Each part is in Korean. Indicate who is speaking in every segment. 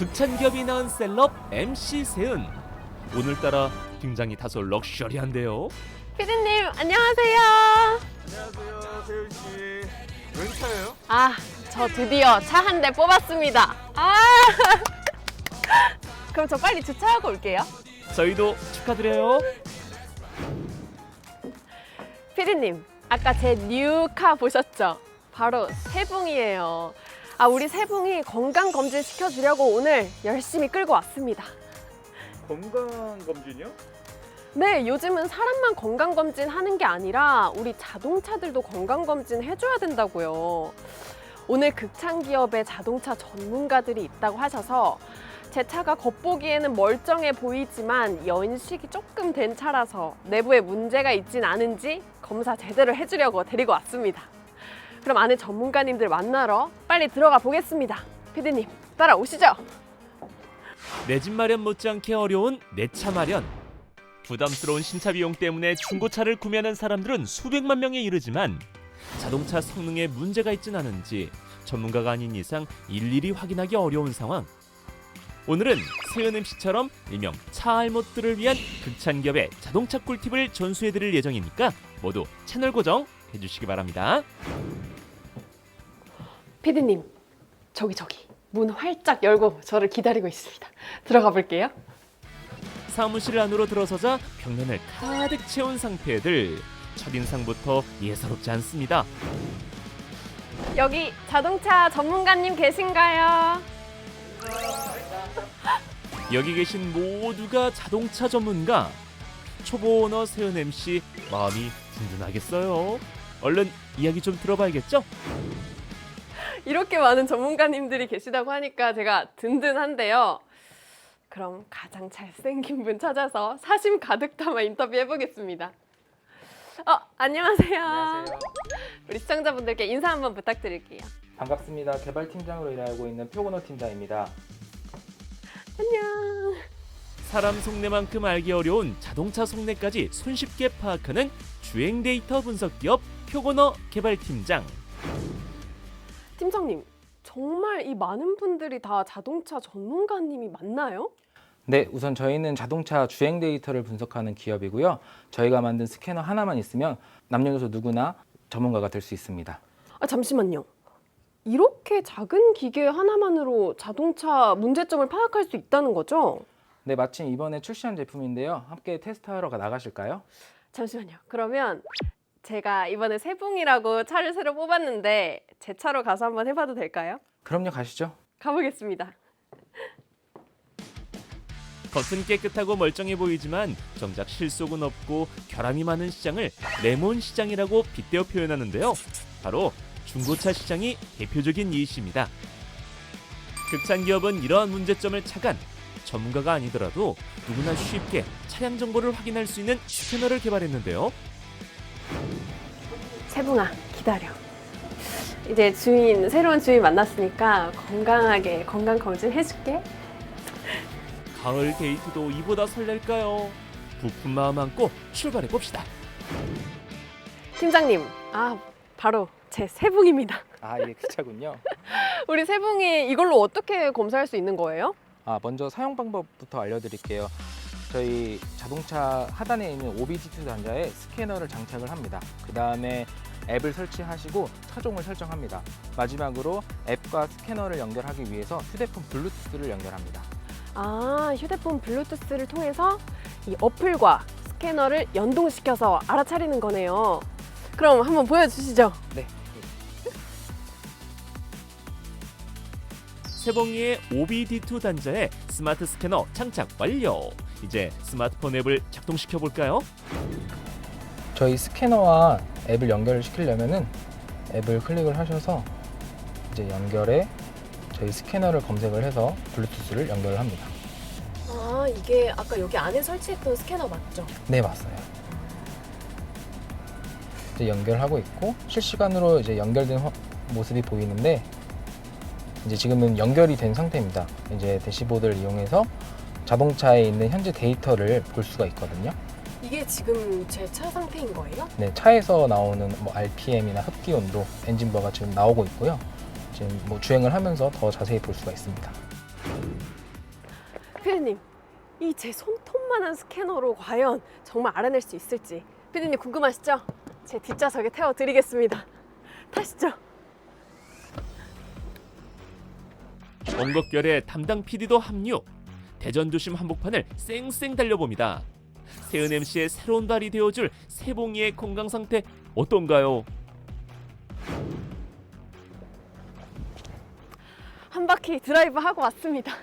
Speaker 1: 극찬기업이 낳은 셀럽 MC 세은. 오늘따라 굉장히 다소 럭셔리한데요.
Speaker 2: 피디님 안녕하세요.
Speaker 3: 안녕하세요, 세윤 씨. 웬 차예요?
Speaker 2: 저 드디어 차 한 대 뽑았습니다. 그럼 저 빨리 주차하고 올게요.
Speaker 1: 저희도 축하드려요.
Speaker 2: 피디님, 아까 제 뉴카 보셨죠? 바로 세붕이에요. 우리 세붕이 건강검진 시켜주려고 오늘 열심히 끌고 왔습니다.
Speaker 3: 건강검진이요?
Speaker 2: 네, 요즘은 사람만 건강검진 하는 게 아니라 우리 자동차들도 건강검진 해줘야 된다고요. 오늘 극찬기업에 자동차 전문가들이 있다고 하셔서 제 차가 겉보기에는 멀쩡해 보이지만 연식이 조금 된 차라서 내부에 문제가 있진 않은지 검사 제대로 해주려고 데리고 왔습니다. 그럼 안에 전문가님들 만나러 빨리 들어가 보겠습니다. 피디님, 따라오시죠.
Speaker 1: 내 집 마련 못지않게 어려운 내 차 마련. 부담스러운 신차 비용 때문에 중고차를 구매하는 사람들은 수백만 명에 이르지만 자동차 성능에 문제가 있진 않은지 전문가가 아닌 이상 일일이 확인하기 어려운 상황. 오늘은 세은 MC처럼 일명 차 알못들을 위한 극찬기업의 자동차 꿀팁을 전수해드릴 예정이니까 모두 채널 고정 해주시기 바랍니다.
Speaker 2: 피디님, 저기 문 활짝 열고 저를 기다리고 있습니다. 들어가 볼게요.
Speaker 1: 사무실 안으로 들어서자 벽면을 가득 채운 상패들. 첫인상부터 예사롭지 않습니다.
Speaker 2: 여기 자동차 전문가님 계신가요?
Speaker 1: 여기 계신 모두가 자동차 전문가. 초보 오너 세은 MC 마음이 든든하겠어요. 얼른 이야기 좀 들어봐야겠죠?
Speaker 2: 이렇게 많은 전문가님들이 계시다고 하니까 제가 든든한데요. 그럼 가장 잘생긴 분 찾아서 사심 가득 담아 인터뷰해 보겠습니다. 안녕하세요.
Speaker 4: 안녕하세요.
Speaker 2: 우리 시청자분들께 인사 한번 부탁드릴게요.
Speaker 4: 반갑습니다. 개발팀장으로 일하고 있는 표건호 팀장입니다.
Speaker 2: 안녕.
Speaker 1: 사람 속내만큼 알기 어려운 자동차 속내까지 손쉽게 파악하는 주행 데이터 분석 기업 표건어 개발팀장.
Speaker 2: 팀장님, 정말 이 많은 분들이 다 자동차 전문가님이 맞나요?
Speaker 4: 네, 우선 저희는 자동차 주행 데이터를 분석하는 기업이고요. 저희가 만든 스캐너 하나만 있으면 남녀노소 누구나 전문가가 될 수 있습니다.
Speaker 2: 잠시만요. 이렇게 작은 기계 하나만으로 자동차 문제점을 파악할 수 있다는 거죠?
Speaker 4: 네, 마침 이번에 출시한 제품인데요. 함께 테스트하러 나가실까요?
Speaker 2: 잠시만요. 그러면 제가 이번에 세붕이라고 차를 새로 뽑았는데 제 차로 가서 한번 해봐도 될까요?
Speaker 4: 그럼요, 가시죠.
Speaker 2: 가보겠습니다.
Speaker 1: 겉은 깨끗하고 멀쩡해 보이지만 정작 실속은 없고 결함이 많은 시장을 레몬 시장이라고 빗대어 표현하는데요. 바로 중고차 시장이 대표적인 예시입니다. 극찬기업은 이러한 문제점을 착안 전문가가 아니더라도 누구나 쉽게 차량 정보를 확인할 수 있는 스캐너를 개발했는데요.
Speaker 2: 세붕아, 기다려. 이제 새로운 주인 만났으니까 건강하게 건강검진 해줄게.
Speaker 1: 가을 데이트도 이보다 설렐까요? 부푼 마음 안고 출발해 봅시다.
Speaker 2: 팀장님, 바로 제 세붕입니다.
Speaker 4: 예, 그 차군요.
Speaker 2: 우리 세붕이 이걸로 어떻게 검사할 수 있는 거예요?
Speaker 4: 먼저 사용 방법부터 알려드릴게요. 저희 자동차 하단에 있는 OBD2 단자에 스캐너를 장착을 합니다. 그 다음에 앱을 설치하시고 차종을 설정합니다. 마지막으로 앱과 스캐너를 연결하기 위해서 휴대폰 블루투스를 연결합니다.
Speaker 2: 휴대폰 블루투스를 통해서 이 어플과 스캐너를 연동시켜서 알아차리는 거네요. 그럼 한번 보여주시죠.
Speaker 4: 네.
Speaker 1: 세봉이의 OBD2 단자에 스마트 스캐너 장착 완료. 이제 스마트폰 앱을 작동시켜 볼까요?
Speaker 4: 저희 스캐너와 앱을 연결시키려면은 앱을 클릭을 하셔서 이제 연결에 저희 스캐너를 검색을 해서 블루투스를 연결을 합니다.
Speaker 2: 이게 아까 여기 안에 설치했던 스캐너 맞죠?
Speaker 4: 네, 맞아요. 이제 연결하고 있고 실시간으로 이제 연결된 모습이 보이는데 이제 지금은 연결이 된 상태입니다. 이제 대시보드를 이용해서 자동차에 있는 현재 데이터를 볼 수가 있거든요.
Speaker 2: 이게 지금 제 차 상태인 거예요?
Speaker 4: 네, 차에서 나오는 RPM이나 흡기 온도, 엔진 부하가 지금 나오고 있고요. 지금 주행을 하면서 더 자세히 볼 수가 있습니다.
Speaker 2: 피디님, 이 제 손톱만한 스캐너로 과연 정말 알아낼 수 있을지 피디님 궁금하시죠? 제 뒷좌석에 태워드리겠습니다. 타시죠.
Speaker 1: 원곡결의 담당 PD도 합류. 대전도심 한복판을 쌩쌩 달려봅니다. 세은 MC의 새로운 달이 되어줄 세봉이의 건강 상태 어떤가요?
Speaker 2: 한 바퀴 드라이브 하고 왔습니다.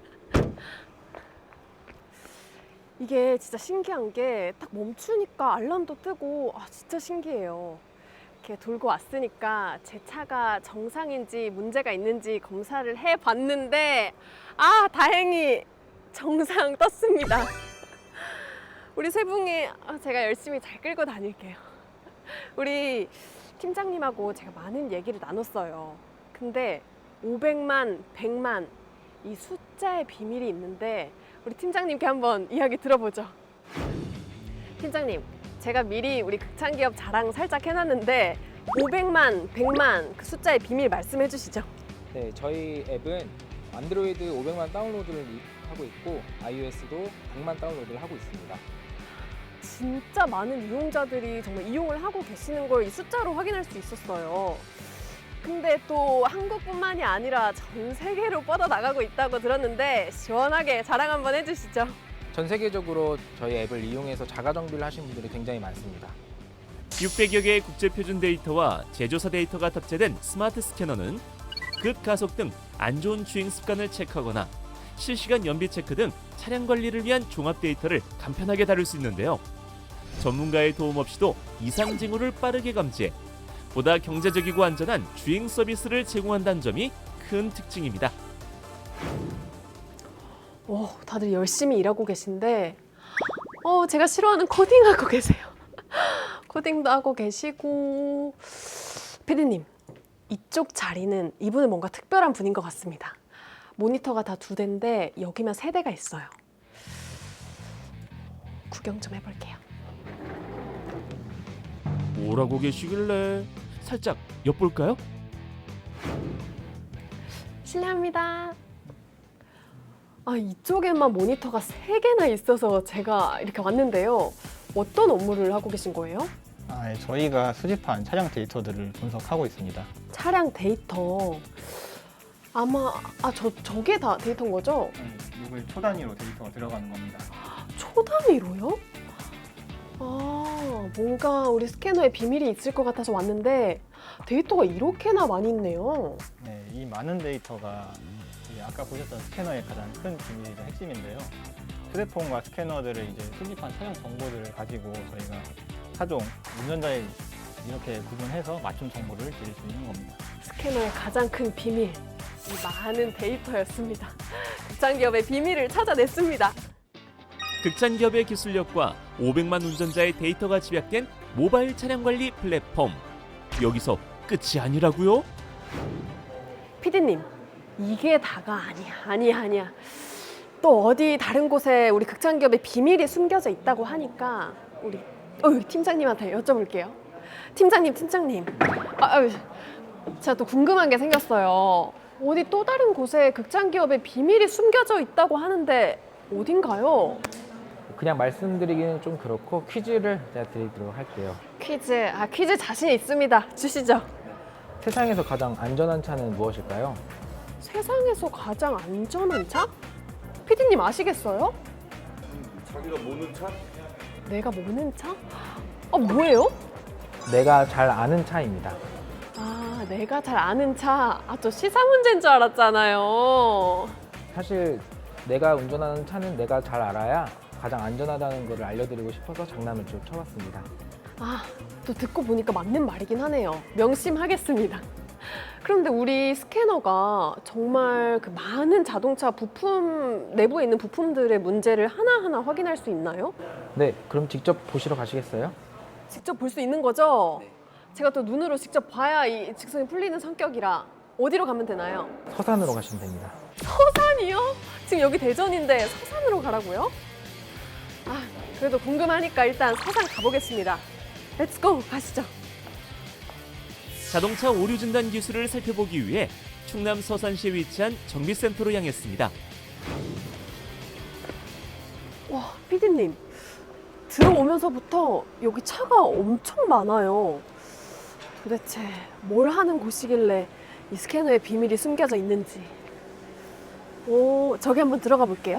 Speaker 2: 이게 진짜 신기한 게 딱 멈추니까 알람도 뜨고 진짜 신기해요. 이렇게 돌고 왔으니까 제 차가 정상인지 문제가 있는지 검사를 해봤는데 다행히 정상 떴습니다. 우리 세붕이 제가 열심히 잘 끌고 다닐게요. 우리 팀장님하고 제가 많은 얘기를 나눴어요. 근데 500만, 100만 이 숫자의 비밀이 있는데 우리 팀장님께 한번 이야기 들어보죠. 팀장님, 제가 미리 우리 극찬기업 자랑 살짝 해놨는데 500만, 100만 그 숫자의 비밀 말씀해 주시죠.
Speaker 4: 네, 저희 앱은 안드로이드 500만 다운로드를 하고 있고 iOS도 100만 다운로드를 하고 있습니다.
Speaker 2: 진짜 많은 이용자들이 정말 이용을 하고 계시는 걸 이 숫자로 확인할 수 있었어요. 근데 또 한국뿐만이 아니라 전 세계로 뻗어나가고 있다고 들었는데 시원하게 자랑 한번 해주시죠.
Speaker 4: 전 세계적으로 저희 앱을 이용해서 자가 정비를 하신 분들이 굉장히 많습니다.
Speaker 1: 600여 개의 국제 표준 데이터와 제조사 데이터가 탑재된 스마트 스캐너는 급가속 등 안 좋은 주행 습관을 체크하거나 실시간 연비 체크 등 차량 관리를 위한 종합 데이터를 간편하게 다룰 수 있는데요. 전문가의 도움 없이도 이상 징후를 빠르게 감지해 보다 경제적이고 안전한 주행 서비스를 제공한다는 점이 큰 특징입니다.
Speaker 2: 다들 열심히 일하고 계신데 제가 싫어하는 코딩하고 계세요. 코딩도 하고 계시고 피디님, 이쪽 자리는 이분은 뭔가 특별한 분인 것 같습니다. 모니터가 다 2대인데 여기만 3대가 있어요. 구경 좀 해볼게요.
Speaker 1: 뭐라고 계시길래 살짝 엿볼까요?
Speaker 2: 실례합니다. 이쪽에만 모니터가 3개나 있어서 제가 이렇게 왔는데요. 어떤 업무를 하고 계신 거예요?
Speaker 3: 네, 저희가 수집한 차량 데이터들을 분석하고 있습니다.
Speaker 2: 차량 데이터. 아마 저게 다 데이터인 거죠?
Speaker 3: 이걸 초 단위로 데이터가 들어가는 겁니다.
Speaker 2: 초 단위로요? 뭔가 우리 스캐너에 비밀이 있을 것 같아서 왔는데 데이터가 이렇게나 많이 있네요.
Speaker 3: 네, 이 많은 데이터가 아까 보셨던 스캐너의 가장 큰 비밀이자 핵심인데요. 휴대폰과 스캐너들을 이제 수집한 차량 정보들을 가지고 저희가 차종, 운전자의 이렇게 구분해서 맞춤 정보를 드릴 수 있는 겁니다.
Speaker 2: 스캐너의 가장 큰 비밀, 이 많은 데이터였습니다. 극찬기업의 비밀을 찾아냈습니다.
Speaker 1: 극찬기업의 기술력과 500만 운전자의 데이터가 집약된 모바일 차량 관리 플랫폼. 여기서 끝이 아니라고요?
Speaker 2: 피디님, 이게 다가 아니야. 또 어디 다른 곳에 우리 극찬기업의 비밀이 숨겨져 있다고 하니까 우리 팀장님한테 여쭤볼게요. 팀장님. 제가 또 궁금한 게 생겼어요. 어디 또 다른 곳에 극찬기업의 비밀이 숨겨져 있다고 하는데 어딘가요?
Speaker 4: 그냥 말씀드리기는 좀 그렇고 퀴즈를 제가 드리도록 할게요.
Speaker 2: 퀴즈 자신 있습니다. 주시죠.
Speaker 4: 세상에서 가장 안전한 차는 무엇일까요?
Speaker 2: 세상에서 가장 안전한 차? 피디님 아시겠어요?
Speaker 3: 자기가 모는 차?
Speaker 2: 내가 모는 차? 뭐예요?
Speaker 4: 내가 잘 아는 차입니다.
Speaker 2: 내가 잘 아는 차. 저 시사 문제인 줄 알았잖아요.
Speaker 4: 사실 내가 운전하는 차는 내가 잘 알아야 가장 안전하다는 것을 알려드리고 싶어서 장난을 좀 쳐봤습니다.
Speaker 2: 또 듣고 보니까 맞는 말이긴 하네요. 명심하겠습니다. 그런데 우리 스캐너가 정말 그 많은 자동차 부품, 내부에 있는 부품들의 문제를 하나하나 확인할 수 있나요?
Speaker 4: 네, 그럼 직접 보시러 가시겠어요?
Speaker 2: 직접 볼 수 있는 거죠? 제가 또 눈으로 직접 봐야 이 직성이 풀리는 성격이라 어디로 가면 되나요?
Speaker 4: 서산으로 가시면 됩니다.
Speaker 2: 서산이요? 지금 여기 대전인데 서산으로 가라고요? 그래도 궁금하니까 일단 서산 가보겠습니다. 렛츠고! 가시죠.
Speaker 1: 자동차 오류 진단 기술을 살펴보기 위해 충남 서산시에 위치한 정비센터로 향했습니다.
Speaker 2: 피디님, 들어오면서부터 여기 차가 엄청 많아요. 도대체 뭘 하는 곳이길래 이 스캐너에 비밀이 숨겨져 있는지. 오, 저기 한번 들어가 볼게요.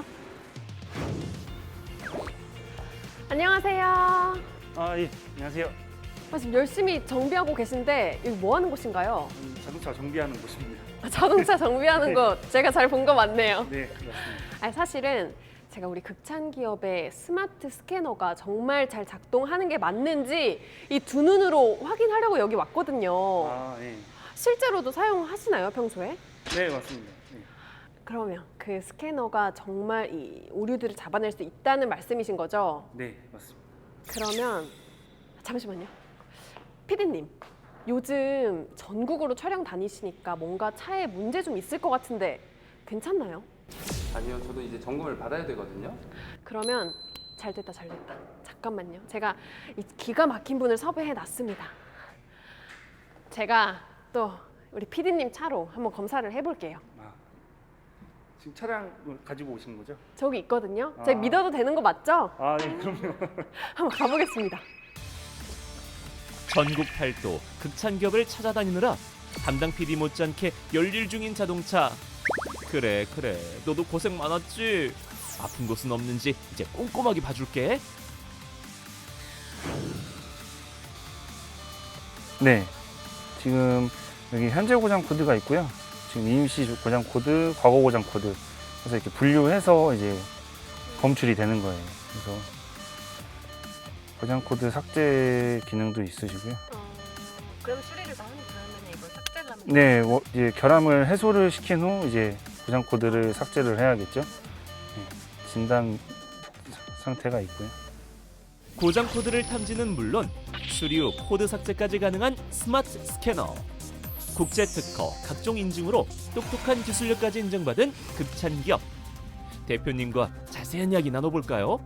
Speaker 2: 안녕하세요.
Speaker 5: 아, 예, 안녕하세요.
Speaker 2: 지금 열심히 정비하고 계신데 여기 뭐 하는 곳인가요?
Speaker 5: 자동차 정비하는 곳입니다.
Speaker 2: 자동차 정비하는 곳 제가 잘 본 거 맞네요.
Speaker 5: 네, 맞습니다.
Speaker 2: 아니, 사실은 제가 우리 극찬 기업의 스마트 스캐너가 정말 잘 작동하는 게 맞는지 이 두 눈으로 확인하려고 여기 왔거든요.
Speaker 5: 아, 네.
Speaker 2: 실제로도 사용하시나요, 평소에?
Speaker 5: 네, 맞습니다. 네.
Speaker 2: 그러면 그 스캐너가 정말 이 오류들을 잡아낼 수 있다는 말씀이신 거죠?
Speaker 5: 네, 맞습니다.
Speaker 2: 그러면 잠시만요. 피디님, 요즘 전국으로 촬영 다니시니까 뭔가 차에 문제 좀 있을 것 같은데 괜찮나요?
Speaker 6: 아니요, 저도 이제 점검을 받아야 되거든요.
Speaker 2: 그러면 잘 됐다. 잠깐만요. 제가 이 기가 막힌 분을 섭외해 놨습니다. 제가 또 우리 피디님 차로 한번 검사를 해볼게요.
Speaker 5: 아, 지금 차량을 가지고 오신 거죠?
Speaker 2: 저기 있거든요. 제가
Speaker 5: 아.
Speaker 2: 믿어도 되는 거 맞죠?
Speaker 5: 아, 네, 그럼요.
Speaker 2: 한번 가보겠습니다.
Speaker 1: 전국 팔도 극찬 기업을 찾아다니느라 담당 PD 못지않게 열일 중인 자동차. 그래, 너도 고생 많았지. 아픈 곳은 없는지 이제 꼼꼼하게 봐줄게.
Speaker 3: 네, 지금 여기 현재 고장 코드가 있고요. 지금 임시 고장 코드, 과거 고장 코드. 그래서 이렇게 분류해서 이제 검출이 되는 거예요. 그래서 고장 코드 삭제 기능도 있으시고요.
Speaker 2: 그럼 수리를 많이 그러면 이걸 삭제를 하면
Speaker 3: 네, 이제 결함을 해소를 시킨 후 이제 고장 코드를 삭제를 해야겠죠. 네, 진단 상태가 있고요.
Speaker 1: 고장 코드를 탐지는 물론 수리 후 코드 삭제까지 가능한 스마트 스캐너. 국제 특허, 각종 인증으로 똑똑한 기술력까지 인정받은 극찬 기업. 대표님과 자세한 이야기 나눠볼까요?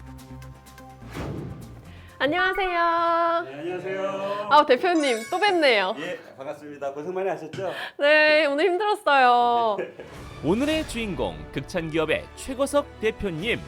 Speaker 2: 안녕하세요.
Speaker 7: 네, 안녕하세요.
Speaker 2: 대표님 또 뵙네요.
Speaker 7: 예, 반갑습니다. 고생 많이 하셨죠?
Speaker 2: 네, 오늘 힘들었어요.
Speaker 1: 오늘의 주인공 극찬 기업의 최거석 대표님.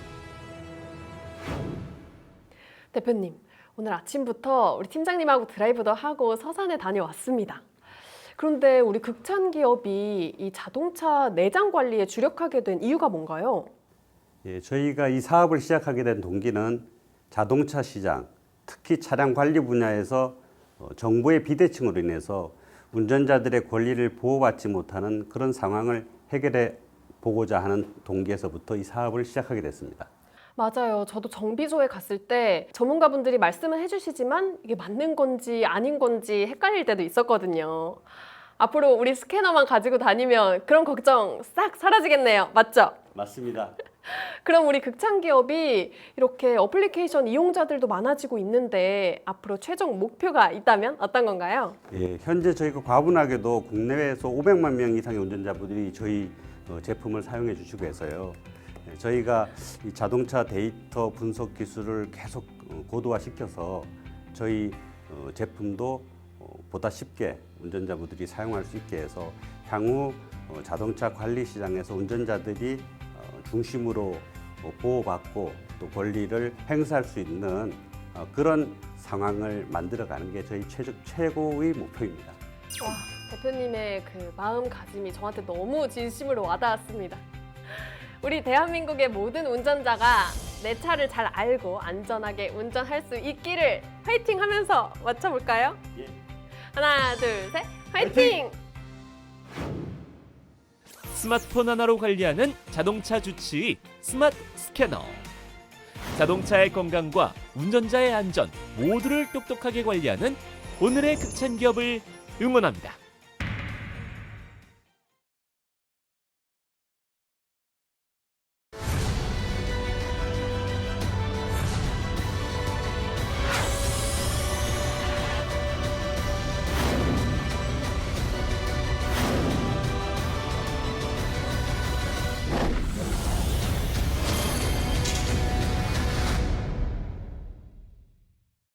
Speaker 2: 대표님, 오늘 아침부터 우리 팀장님하고 드라이브도 하고 서산에 다녀왔습니다. 그런데 우리 극찬 기업이 이 자동차 내장 관리에 주력하게 된 이유가 뭔가요?
Speaker 7: 예, 저희가 이 사업을 시작하게 된 동기는 자동차 시장, 특히 차량 관리 분야에서 정부의 비대칭으로 인해서 운전자들의 권리를 보호받지 못하는 그런 상황을 해결해 보고자 하는 동기에서부터 이 사업을 시작하게 됐습니다.
Speaker 2: 맞아요. 저도 정비소에 갔을 때 전문가분들이 말씀을 해주시지만 이게 맞는 건지 아닌 건지 헷갈릴 때도 있었거든요. 앞으로 우리 스캐너만 가지고 다니면 그런 걱정 싹 사라지겠네요. 맞죠?
Speaker 7: 맞습니다.
Speaker 2: 그럼 우리 극찬 기업이 이렇게 어플리케이션 이용자들도 많아지고 있는데 앞으로 최종 목표가 있다면 어떤 건가요?
Speaker 7: 예, 현재 저희가 과분하게도 국내외에서 500만 명 이상의 운전자분들이 저희 제품을 사용해 주시고 해서요. 예, 저희가 이 자동차 데이터 분석 기술을 계속 고도화시켜서 저희 제품도 보다 쉽게 운전자분들이 사용할 수 있게 해서 향후 자동차 관리 시장에서 운전자들이 중심으로 보호받고 또 권리를 행사할 수 있는 그런 상황을 만들어가는 게 저희 최고의 목표입니다.
Speaker 2: 와, 대표님의 그 마음가짐이 저한테 너무 진심으로 와닿았습니다. 우리 대한민국의 모든 운전자가 내 차를 잘 알고 안전하게 운전할 수 있기를 화이팅 하면서 맞춰볼까요?
Speaker 7: 예.
Speaker 2: 하나, 둘, 셋, 화이팅!
Speaker 1: 스마트폰 하나로 관리하는 자동차 주치의 스마트 스캐너. 자동차의 건강과 운전자의 안전 모두를 똑똑하게 관리하는 오늘의 극찬 기업을 응원합니다.